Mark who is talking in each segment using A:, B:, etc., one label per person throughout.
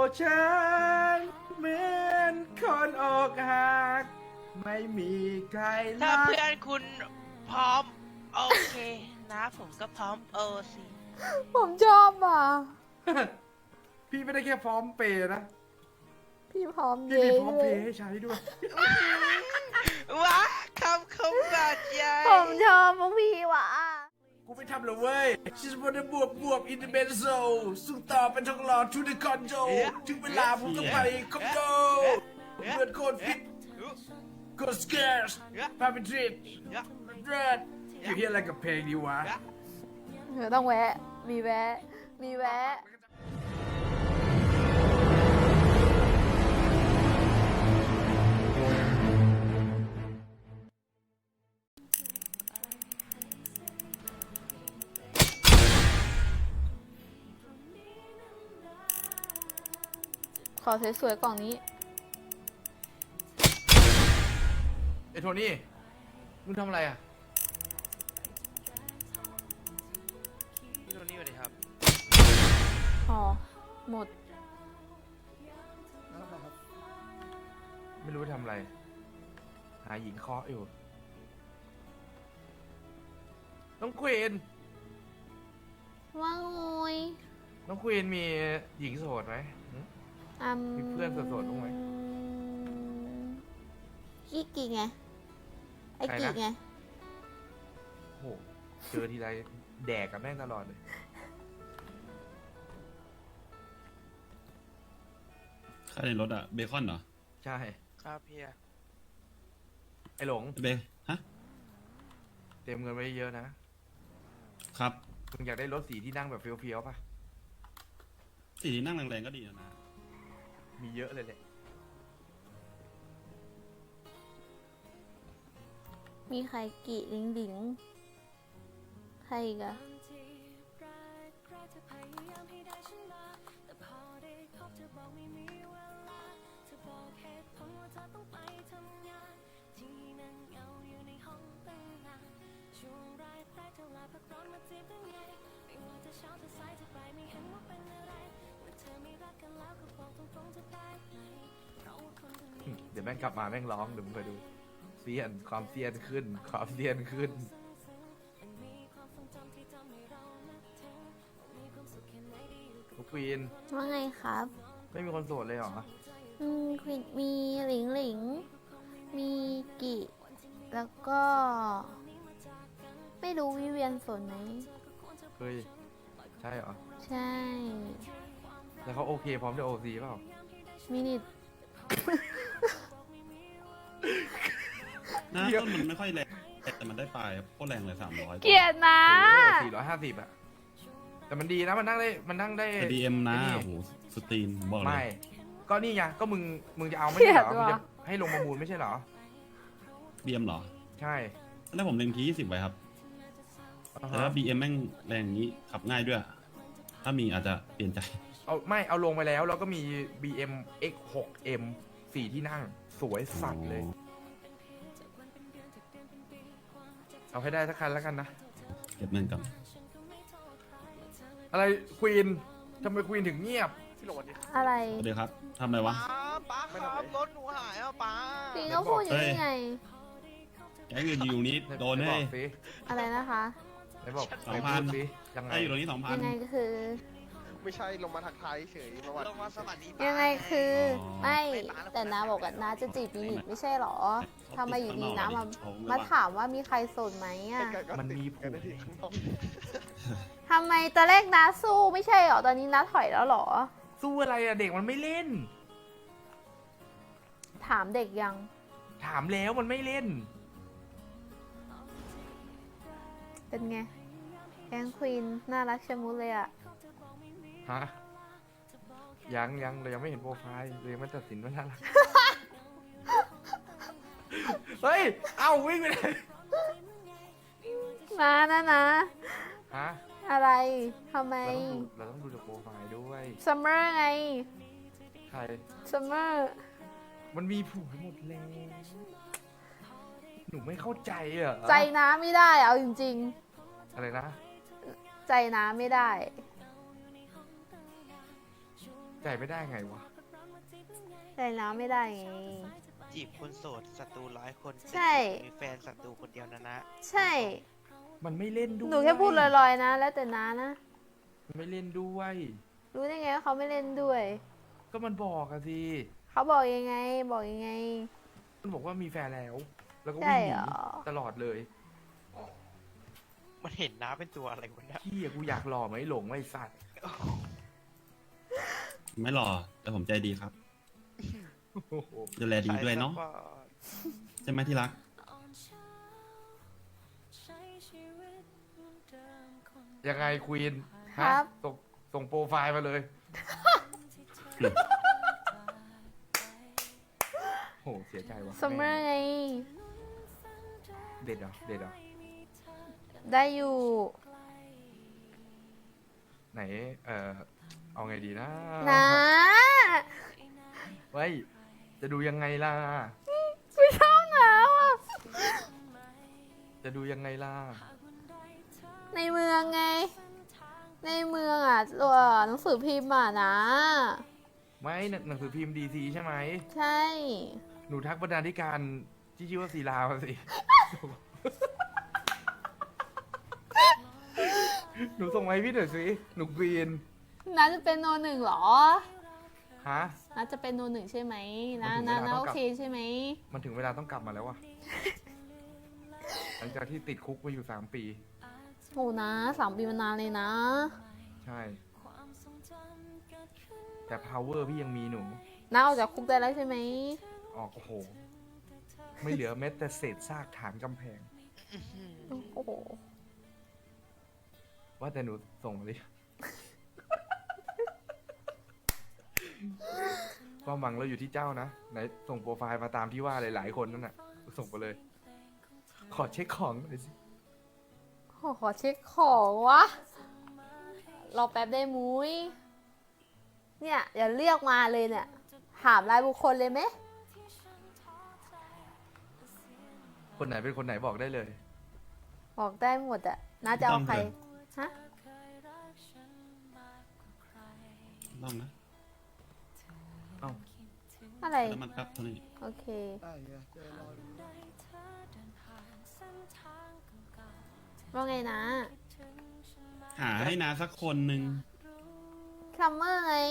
A: ฉันเหมือนคนอกหักไม่มีใคร
B: ถ้า
A: รัก
B: เพื่อนคุณพร้อม โอเค นะผมก็พร้อมสิ
C: ผมชอบอ่ะ
A: พี่ไม่ได้แค่พร้อมเปย์นะ
C: พี่พร้อม
A: พี่
C: เย้
A: มีพร้อม
C: เล
A: เพ
C: ย
A: ย์ให้ใช้ด้วย
B: ว้าคำบาดใหญ่
C: ผมชอบพวกพี่ว่ะ
A: กูไม่ทำหรอกเว้ย She's wanna บวบ in the benzo สุดต่อเป็นทองหล่อ to the conjo ถึงเวลาผมต้องไปคอมโกเพื่อนโคตรฟิตโคตรสเกร์สพาไปทริปเรดอยู่เฮียอะไรกับเพลงดีวะ
C: เดี๋ยวต้องแวะ มีแวะ มีแวะ ขอสวยๆกล่องนี้
A: ไอ้โทนี่ มึงทำอะไรอ่ะ
B: พี่โทนี่สวัสดีครับ
C: อ๋อ หมด
A: ไม่รู้ทำอะไร หาหญิงเคาะอยู่ น้องควีน
C: ว่าไง
A: น้องควีนมีหญิงโสดไหมหึ มีเพื่อนโสดๆบ้างไหม
C: กี่กี่ไง ไอ้
A: ใคร
C: กี่
A: นะ
C: ไง
A: โห เจอทีไรแดกกับแม่งตลอดเลย
D: ใครในรถอะเบคอนเหรอ
A: ใช่
B: ครับพี่
A: ไอ้หลง
D: เบฮะ
A: เตรียมเงินไว้เยอะนะ
D: ครับ
A: มึงอยากได้รถสีที่นั่งแบบเฟี้ยวๆป่ะ
D: สีที่นั่งแรงๆก็ดีนะ
A: มีเยอะเลยแหละ
C: มีใครกี่ลิงลิงใครอีกอะ
A: เดี๋ยวแม่งกลับมาแม่งร้องเดี๋ยวมึงไปดูเซียนความเซียนขึ้น ความเซียนขึ้น ทุกควีน
C: ว่าไงครับ
A: ไม่มีคนโสดเลยเหรอ
C: ควินมีหลิงหลิง มีกิแล้วก็ ไม่รู้วิเวียนสนไหม
A: เฮ้ย ใช่เหรอ
C: ใช่
A: แล้วเขาโอเคพร้อมจะโอซีเปล่า
C: มินิท
D: หน้าต้นมันไม่ค่อยแรงแต่มันได้ปลายโคตรแรงเลย300
C: เกลียดนะ
A: 450อะแต่มันดีนะมันนั่งได้ มันนั่งได้
D: แต่ดีเอ็มนะ
A: ไอ้
D: โอ้โหสตรีนผมบอกเล
A: ไม่
D: ย
A: ก็นี่ไง ก็มึงจะเอาไม่ใช่เหรอ มึงจะให้ลงประมูลไม่ใช่เหรอ
D: บีเอ็มเหรอ
A: ใช่
D: แล้วผมเล็งที20ไว้ครับ
A: อ่า
D: แต่
A: ฮะ
D: ว่าบีเอ็มแม่งแรงอย่างนี้ขับง่ายด้วย ถ้ามีอาจจะเปลี่ยนใจ
A: เอาลงไปแล้วก็มี BM X6M 4 ที่นั่ง สวยสัตว์เลย เอาให้ได้สักคันแล้วกันนะ
D: เก็บเงินก่อน
A: อะไรควีนทำไมควีนถึงเงียบ
B: พี่โหลดดิ
C: อะไร
D: เดี๋ยวครับทำอะไรวะ
B: ป้าครับรถหนูหายป้า
C: ปิงก็พูดอย่างนี้ไง
D: แกงเงินอยู่นี้โดน
A: ไห
D: ให้
A: บอกสิ
C: อะไรนะคะ
A: ไหนบอก
D: 2,000
A: สิยังไง
D: ไอ้อยู่ตรงนี้
C: ยังไง
D: 2,000
C: ก็คือ
E: ไม่ใช่ลงมาทักทายเฉยประวัติ
B: ลงมาสวัสดี
C: ยังไงคือ
D: อ๋อ
C: ไม่แต่น้าบอกว่าน้าจะจีบมินิทไม่ใช่หรอทำไมอยู่ดีน้ามาถามว่ามีใครโสดไหมอ่ะ
A: มันมีผั
E: กัน
A: ว
E: ได้ที่ข้างนอก
C: ทำไมตอนแรกน้าสู้ไม่ใช่หรอ ตอนนี้น้าถอยแล้วหรอ
A: สู้อะไรอะเด็กมันไม่เล่น
C: ถามเด็กยัง
A: ถามแล้วมันไม่เล่น
C: เป็นไง แกงควีนน่ารักชะมุดเลยอะ
A: ฮะ ยังเรายังไม่เห็นโปรไฟล์เลยมันตัดสินว่าน่ารัก เฮ้ย เอาวิ่งไปเลย
C: มานะนะ
A: ฮะ
C: อะไรทำไม
A: เราต้องดูจากโปรไฟล์ด้วย
C: ซัมเมอร์ไง
A: ใคร
C: ซัมเมอร์
A: มันมีผัวหมดแล้ว หนูไม่เข้าใจอ่ะ
C: ใจน้าไม่ได้เอาจริง
A: อะไรนะ
C: ๆ ใจน้าไม่ได้
F: ใจไม่ได้ไงวะ
C: ใจน้ำไม่ได้ไง
B: จีบคนโสดศัตรู100 คน
C: ใช่
B: แต่มีแฟนศัตรูคนเดียวนะ
C: ใช่
F: มันไม่เล่นด้วย
C: หนูแค่พูดลอยๆนะ แล้วแต่น้านะ
F: มันไม่เล่นด้วย
C: รู้ได้ไงว่าเขาไม่เล่นด้วย
F: ก็มันบอกอะสิ
C: เขาบอกยังไง บอกยังไง
F: มันบอกว่ามีแฟนแล้ว แล้วก็
C: ใช่
F: วิ่งห
C: เหร
F: นี
C: อ
F: ตลอดเลย
B: มันเห็นน้าเป็นตัวอะไรวะเนี่ย
F: พี่กูอยากหล่อไหมหลงไอ้สัตว์
D: ไม่หล่อแต่ผมใจดีครับ
F: โอ้โห
D: ดูแลดีด้วยเนาะ
B: ใช่
D: ใช่ไหมที่รัก
F: ยังไงควีน
C: ครับ
F: ส่งโปรไฟล์มาเลย โหเสียใจว่ะ
C: ซัมเมอร์ไง
F: เด็ดเหรอเด็ดเหรอ
C: ได้อยู่
F: ไหนเอาไงดีนะ
C: นะ
F: ไว้จะดูยังไงล่ะ
C: กูชอบน้ำอ่ะ
F: จะดูยังไงล่ะ
C: ในเมืองไง ในเมืองอ่ะตัวหนังสือพิมพ์อ่ะนะ
F: ไม่หนังสือพิมพ์ดีซีใช่ไหม
C: ใช่
F: หนูทักบรรณาธิการที่ชื่อว่าศิลามาสิ หนูส่งมาให้พี่หน่อยสิ หนูกรีน
C: น้าจะเป็นโนหนึ่งเหรอ
F: ฮะ
C: น้าจะเป็นโนหนึ่งใช่ไหม
F: มั
C: นะ
F: นถึง
C: นะ
F: เวลา
C: นะ
F: ต้อง
C: โอก
F: ลับ
C: เคใช่ไหม
F: มันถึงเวลาต้องกลับมาแล้ววะ หลังจากที่ติดคุกมาอยู่3 ปี
C: โหนะ3 ปีมานานเลยนะ
F: ใช่ แต่ power พี่ยังมีหนู
C: น้าออกจากคุกได้แล้วใช่ไหม
F: ออกโอ้โห ไม่เหลือแม้แต่เศษซากฐานกำแพง
C: โอ้โห
F: ว่าแต่หนูส่งมาดิ ความหวังเราอยู่ที่เจ้านะ ไหนส่งโปรไฟล์มาตามที่ว่าหลายๆคนนั่นน่ะ ส่งไปเลย ขอเช็คของหน่อยสิ
C: ขอเช็คของวะ รอแป๊บได้มุ้ย เนี่ยอย่าเรียกมาเลยเนี่ย ถามรายบุคคลเลยไหม
F: คนไหนเป็นคนไหนบอกได้เลย
C: บอกได้หมดอะน้าจะเอาใคร ฮะ
D: ต้องนะ
F: เอ้า
C: อะไร
D: แล้วมันครับเท่านี้
C: โอเค ว่าไงนะ
D: หาให้นาสักคนหนึ่ง
C: ซัมเมอร์ไง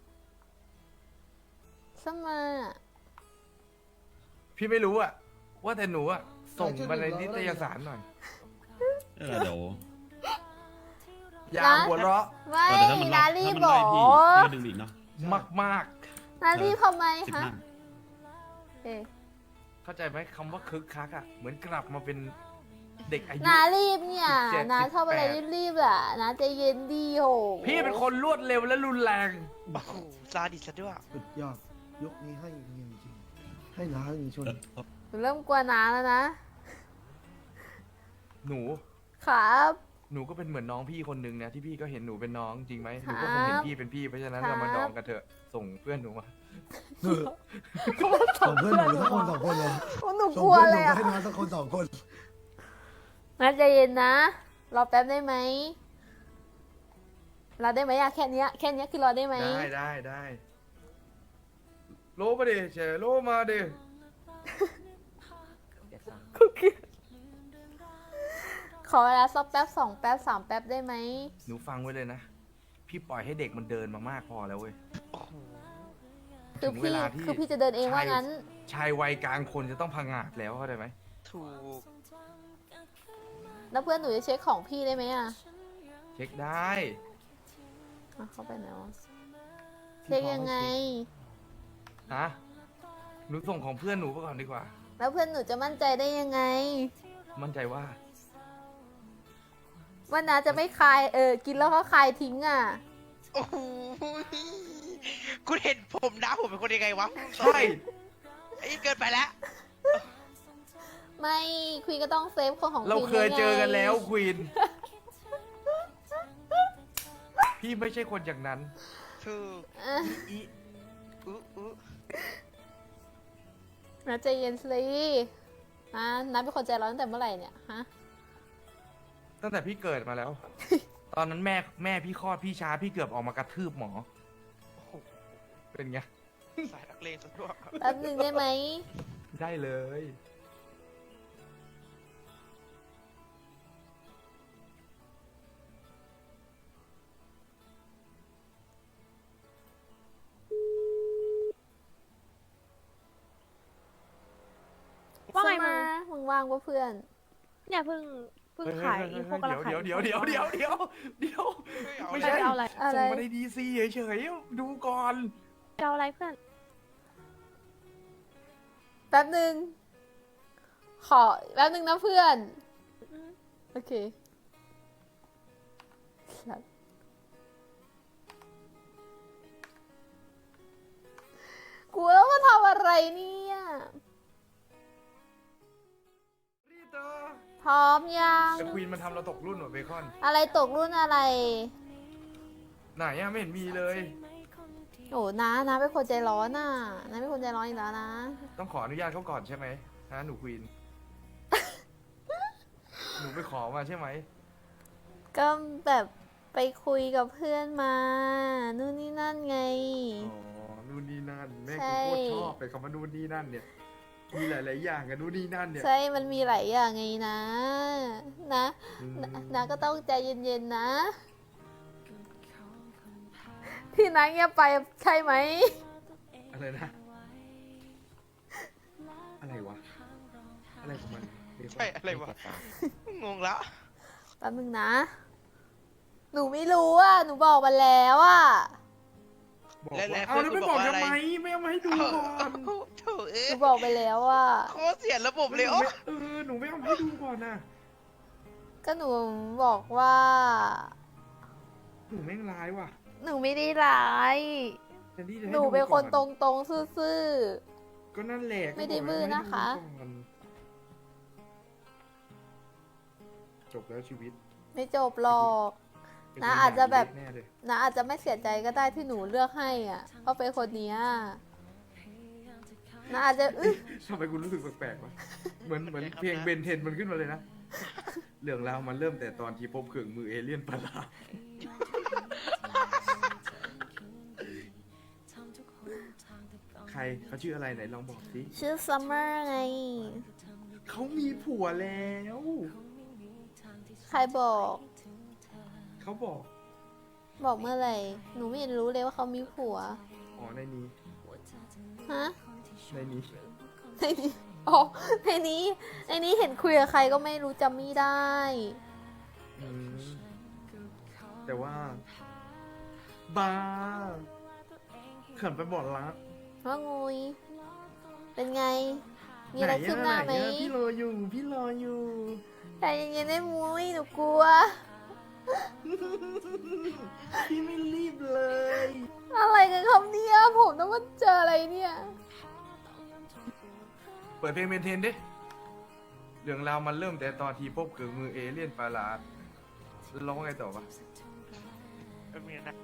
C: ซัมเมอร์
F: พี่ไม่รู้อะว่าแต่หนูอะส่งมาในนิตยสารหน่อย
D: เดี๋ยว
F: อย่าหัวเราะ
C: ไม่
D: แต่ถ้ามัน
C: นา
D: ไล่
C: รี
D: ถ้า
C: บ
D: มัน
C: บอ
D: ไล่
C: ก
D: พี่พี่ก็ดึงดิเนาะ
F: มาก
C: นารีบทำไม
D: 15
C: ฮะเอ๊ะ
F: ๆ เข้าใจไหมคำว่าคึกคักอะเหมือนกลับมาเป็นเด็กอายุ
C: นารีบเนี่ย
F: 17
C: นาชอบอะไร
F: 18
C: รีบๆอ่ะนาใจเย็นดีโห
F: พี่เป็นคนรวดเร็วและรุนแรง
B: โอ้โหซาดิสซะด้วย
G: สุดยอดยกนี้ให้จริงๆให้ล้างจริงๆชน
C: หนูเริ่มกลัวนาแล้วนะ
F: หนู
C: ครับ
F: หนูก็เป็นเหมือนน้องพี่คนหนึ่งนะที่พี่ก็เห็นหนูเป็นน้องจริงไหมห
C: ครั
F: นู
C: บ
F: ก็คงเห็นพี่เป็นพี่เพราะฉะนั้น
C: ครับ
F: เรามาดองกันเถอะส่งเพื่อนหนูมา
G: ส่งเพื่อนหนูสักคน2 คนเลย
C: โอ้หนู
G: ส่
C: ก
G: ง
C: ลัว
G: เพื่อนห
C: เล
G: นู
C: ย
G: ก็
C: อ่ะ
G: ให้น้องสักคน2 คน
C: นาใจเย็นนะ รอแป๊บได้ไหมรอได้ไหมอะแค่เนี้ยคือรอได้ไหม
F: ได้โลมาดิเฉยโลมาดิ
C: ขอเวลาสักแป๊บ2 แป๊บ3 แป๊บได้ไหม
F: หนูฟังไว้เลยนะ พี่ปล่อยให้เด็กมันเดินมามากพอแล้วเว้ย
B: โอ้โห
C: คือ
F: ถึงเว
C: พี่
F: ลาที่
C: คือพี่จะเดินเองว่างั้น
F: ชายวัยกลางคนจะต้องพังงาดแล้วเข้าใจไหม
B: ถูก
C: แล้วเพื่อนหนูจะเช็คของพี่ได้ไหมอ่ะ
F: เช็คได้
C: อ่ะเข้าไปไหนวะเช็คยังไง
F: ฮะหนูส่งของเพื่อนหนูไปก่อนดีกว่า
C: แล้วเพื่อนหนูจะมั่นใจได้ยังไง
F: มั่นใจว่า
C: ว่านาจะไม่คายกินแล้วก็คายทิ้งอ่ะ
B: โอ้โหคุณเห็นผมนะผมเป็นคนยังไงวะ
F: ใช่
B: ไอ้เกินไปแล้ว
C: ไม่ควีนก็ต้องเซฟคนของ
F: เรา
C: ควีน
F: เคยเจอกันแล้ว
C: ไง
F: ควีน พี่ไม่ใช่คนอย่างนั้น
B: ถูก
C: เอ้ย
F: อี
B: อุ๊
C: นาใจเย็นสินาเป็นคนใจร้อนตั้งแต่เมื่อไหร่เนี่ยฮะ
F: ตั้งแต่พี่เกิดมาแล้ว ตอนนั้นแม่พี่คลอดพี่ช้าพี่เกือบออกมากระทืบหมอ
B: โอ้โห
F: เป็นไง
B: สายนักเลงซะด้วย
C: แป๊บหนึ่งได้ไหม
F: ได้เลย
H: ว่าไงมึง
C: มึงว่างปะเพื่อน
H: เนี่ยเพิ่งขายอีโคกำลังขาย
F: เดี๋ยวไม่
H: ไม่
F: ใช่
H: ใช่เอาอะไร
C: อะไร
F: ส่งมาในดีซีเฉยๆดูก่อน
H: จะเอาอะไรเพื่อน
C: แป๊บหนึ่งขอแป๊บหนึ่งนะเพื่อน โอเคสัตว์กูแล้วมาทำอะไรเนี่ย
F: รีเตอร์
C: พร้อมยัง
F: แต่ควีนมันทำเราตกรุ่นว่ะเบคอน
C: อะไรตกรุ่นอะไร
F: ไหนอะไม่เห็นมีเลย
C: โอ้นะเป็นคนใจร้อนน่ะนะเป็นคนใจร้อนอีกแล้วนะ
F: ต้องขออนุญาตเขาก่อนใช่ไหมฮะหนูควีน หนูไปขอมาใช่ไหม
C: ก็แบบไปคุยกับเพื่อนมา นู่นนี่นั่นไง
F: อ๋อ นู่นนี่นั่น แม่
C: ใช่
F: กูโคตรชอบไปคำว่านู่นนี่นั่นเนี่ย มีหลาย ๆ อย่างกับนู่นนี่นั่นเนี่ย
C: ใช่มันมีหลายอย่างไงนะ นะ
F: อืม
C: นะก็ต้องใจเย็นๆนะ ที่นัเงียบไปใช่ไหม
F: อะไรนะ อะไรวะ อะไรของมันเบคอน
B: ใช่อะไรวะ งงละ
C: แป๊บนึงนะ หนูไม่รู้อ่ะ หนูบอกมาแล้วอ่ะ
F: บอก
B: และ
F: ว่า
B: ๆ
F: เอาแล้ว
B: เพื่
F: ไม่
B: อนกู
F: บอก
B: บอกว่า
F: ทำไม
B: อะไร
F: ไม่เอามาให้ดูก่อน
B: โถเอ้
C: ห
B: ย
C: นูบอกไปแล้วอ่ะ
B: โคตรเสียระบบเลยโอ้
F: หนูไม่เอามาให้ดูก่อนนะ
C: ก็หนูบอกว่า
F: หนูแม่งร้ายว่ะ
C: หนูไม่ได้ร้าย
F: แทนที่จะให้
C: หนูเป็นคนต
F: ดูก่อ
C: รงๆ ซื่อ
F: ก็นั่นแหละ
C: ไม่ได้บื้อนะคะ
F: ก็บอกให้ดูก่อนจบแล้วชีวิต
C: ๆ ไม่จบหรอก นะอาจจะแบบ
F: แน่เลย
C: นะอาจจะไม่เสียใจก็ได้ที่หนูเลือกให้อ่ะ เพราะเป็นคนเนี้ยนะอาจจะอึ๊ะ
F: ทำไมคุณรู้สึกแปลกๆวะเหมือนเพลงเบนเทนมันขึ้นมาเลยนะ เรื่องราวมันเริ่มแต่ตอนที่พบเครื่องมือเอเลี่ยนประหลาด ใครเขาชื่ออะไรไหนลองบอกสิ
C: ชื่อซัมเมอร์ไง
F: เขามีผัวแล้ว
C: ใครบอก
F: เขาบอก
C: บอกเมื่อไหร่ หนูไม่เห็นรู้เลยว่าเขามีผัว
F: อ๋อในนี้
C: ฮะ
F: ในนี้
C: ในนี้อ๋อในนี้เห็นคุยกับใครก็ไม่รู้จำไม่ได้
F: อืมแต่ว่า บ้าเขินไปบอกรัก
C: ว่างูยเป็นไง มีอะไรขึ้นหน้าไหม
F: พี่รออยู่ พี่รออยู่
C: ใจเย็นๆได้มุ้ยหนูกลัว
F: พี่ไม่รีบเลย
C: อะไรกันครับเนี่ยผมต้องมาเจออะไรเนี่ย
F: เปิดเพลงเมนเทนดิ เรื่องราวมันเริ่มแต่ตอนที่พบเครื่องมือเอเลี่ยนประหลาดแล้วร้องไงต่อปะ
B: เป็นไงนะ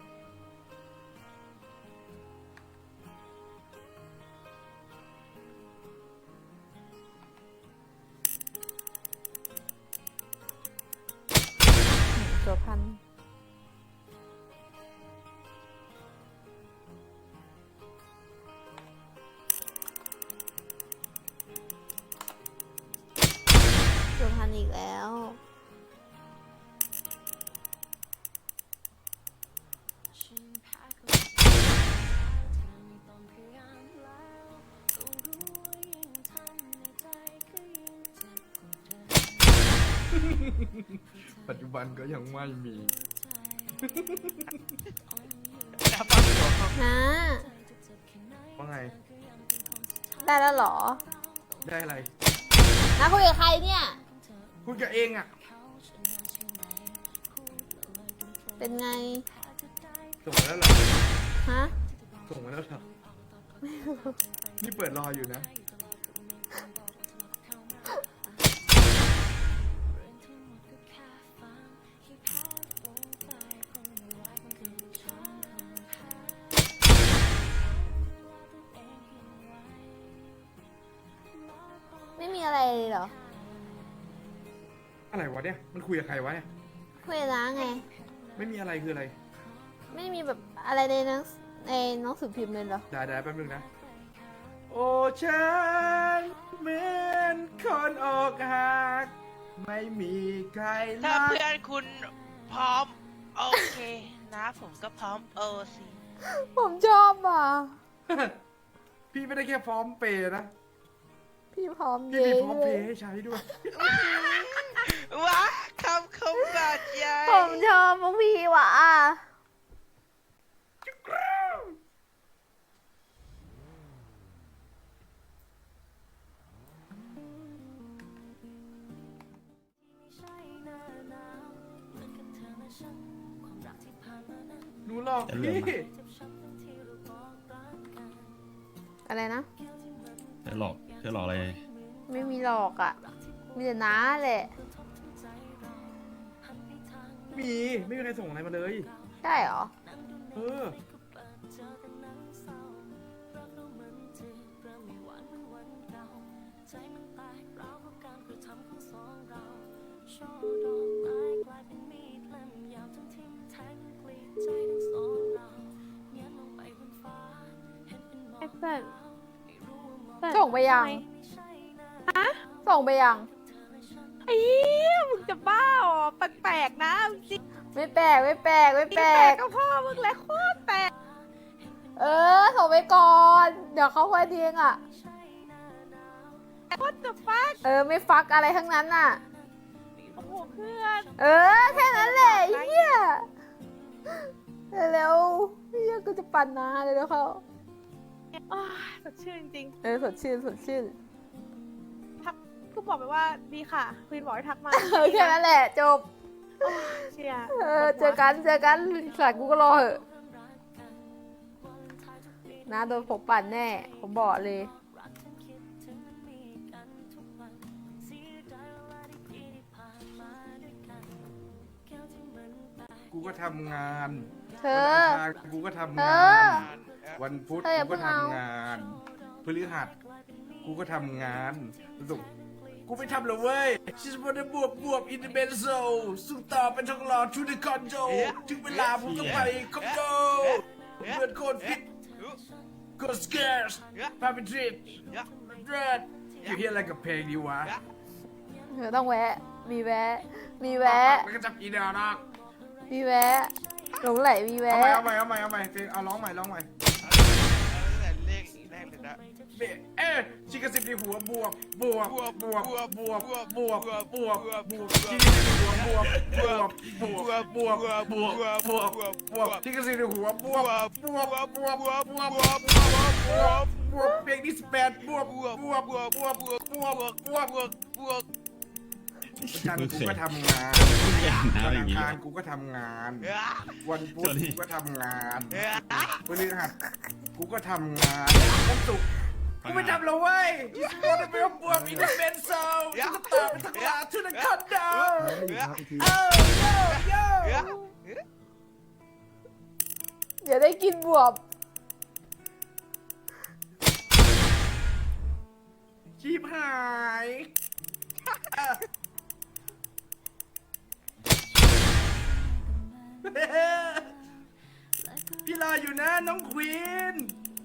C: ตัวพันตัวพันอีกแล้ว
F: ปัจจุบันก็ยังไม่มี
B: น้ำปังหัว
C: นะ
F: ว่าไง
C: ได้แล้วเหรอ
F: ได้อะไร
C: นะคุยกับใครเนี่ย
F: พูดกับเองอ่ะ
C: เป็นไง
F: ส่งมาแล้วเหรอ
C: ฮะ
F: ส่งมาแล้วเหรอ นี่เปิดรออยู่นะ
C: ไม่มีอะไรเลยเหรอ
F: อะไรวะเนี่ย มันคุยกับใครวะเนี่ย
C: คุยกับน้าไง
F: ไม่มีอะไรคืออะไร
C: ไม่มีแบบอะไรในในหนังสือพิมพ์เลยเหรอ
F: ได้แป๊บนึงนะ โอ้ฉันเหมือนคนอกหัก ไม่มีใคร
B: ถ้า
F: รัก
B: เพื่อนคุณพร้อม โอเคนะผมก็พร้อมโอซี
C: ผมชอบอ่ะ
F: พี่ไม่ได้แค่พร้อมเปย์นะ
C: พี่พร้อม
F: พี่
C: เย้
F: มีพร้อม
C: เล
F: เพ
C: ย
F: ย์ให้ใช้ด้วย
B: ว้าคำคมบาดใหญ่
C: ผมชอบพวกพี่ว่ะ
F: หนูหลอก
D: จะเลื่อน
F: พี่
D: มา
C: อะไรนะ
D: เธอหลอกอะไร
C: ไม่มีหลอกอ่ะ มีแต่น้าแหละ
F: ไม่มีใครส่งอะไรมาเลย
C: ใช่เหรอ
F: เออ
H: ไอ้เพื่อนเพื่อน
C: ส่งไปยัง
H: ทำม
C: ส่งไปยัง
H: ไอ้เหี้ยมึงจะบ้าเหรอแปลกๆนะจริง
C: ไม่แปลกไม่แปลกไม่แปลก
H: ก็พ่อมึงแหละโคตรแปลก
C: ส่งไปก่อน เดี๋ยวเขาค่อยเทียงอ่ะ
H: โคตรจะฟัก
C: ไม่ฟักอะไรทั้งนั้นน่ะ
H: โอ้โหเพื่อน
C: แค่นั้นแหละไอ้เฮียเร็วๆเฮียกูจะปั่นนาเลยแล้วเขา
H: อ้าวสดชื่นจริง
C: สดชื่นสดชื่น
H: ทักก็บอกไปว่าดีค่ะควีนบอกให้ทักมา
C: แค่นั้นแหละจบ
H: เชียร์
C: เจอกันสัตว์กูก็รอเหอะนะโดนผมปั่นแน่ ผมบอกเลย
F: กูก็ทำงาน
C: เธ
F: วัน
C: อ
F: อังคารกูก็ทำงาน วันพุธ
C: เธออย่า
F: กูก็
C: เพิ่งเอา
F: ทำงานพฤหัสกูก็ทำงานศุกร์
A: กูไม่ทำหรอกเว้ย She's wanna บวบ in the benzo สู้ต่อเป็นทองหล่อ to the condo ถึงเวลาผมต้องไปคอมโดเพื่อนโคตรฟิต go scarce พาไปทริปเรดอยู่เฮียอะไรกับเพลงดีวะ
C: เธอต้องแวะ มีแวะ มีแวะ
A: แล้วก็จับอีเดียนะ
C: มีแวะ หลงไหลมี
F: เอา
C: แวะ
F: ใหม่เพลงเอาร้องใหม่
B: ตั้งแต่เลขแรกเลยนะ
A: ชิคกี้พายในหัวบวบชิคกี้พายในหัวบวบชิคกี้พายในหัวบวบเพลงที่18บวบจันทร์กูก็ทำงาน
D: น้า
A: วัน
D: อย่า
A: อั
D: ง
A: ง
D: นี้
A: คารกูก็ทำงาน วันพุธกูก็ทำงานพฤหัสกูก็ทำงานวันศุกร์กูไม่ทำแล้วเว้ยที่สปอร์ตเป็นบวกอินเดเบนโซกูก็ต่อเป็นทักลาทุนคอนโด
G: แล้วอีกครับอีกที
C: เดี๋ยวได้กินบวบ
A: ชีพหายพี่รออยู่นะน้องควีน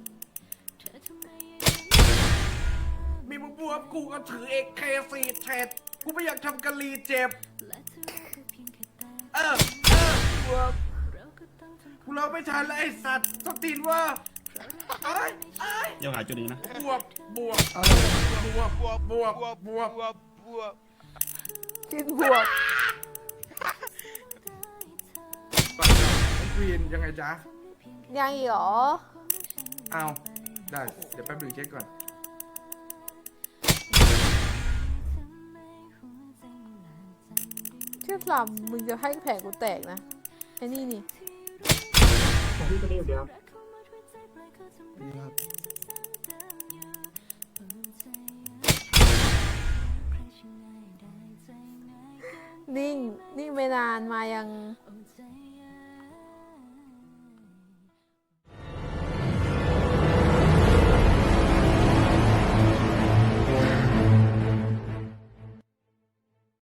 A: มีมึงบวบกูก็ถือAK4เทรดกูไม่อยากทำกะลีเจ็บ บวบกูเราไม่ทันแล้วไอ้สัตว์สตีนว่าไอ้ไอ้
D: เดี๋ยวหาจุดนี้นะ
A: บวบ
G: เอา
C: กินบวบ
F: ควีนยังไงจ๊ะ
C: ยังอีกเหรอ
F: เอาได้ เดี๋ยวแป๊บนึงเช็คก่อน
C: เชื่อลำมึงจะให้แผงกูแตกนะ ไอ้นี่นี่
G: ดีครับ
C: นิ่ง นิ่งไปนานมายัง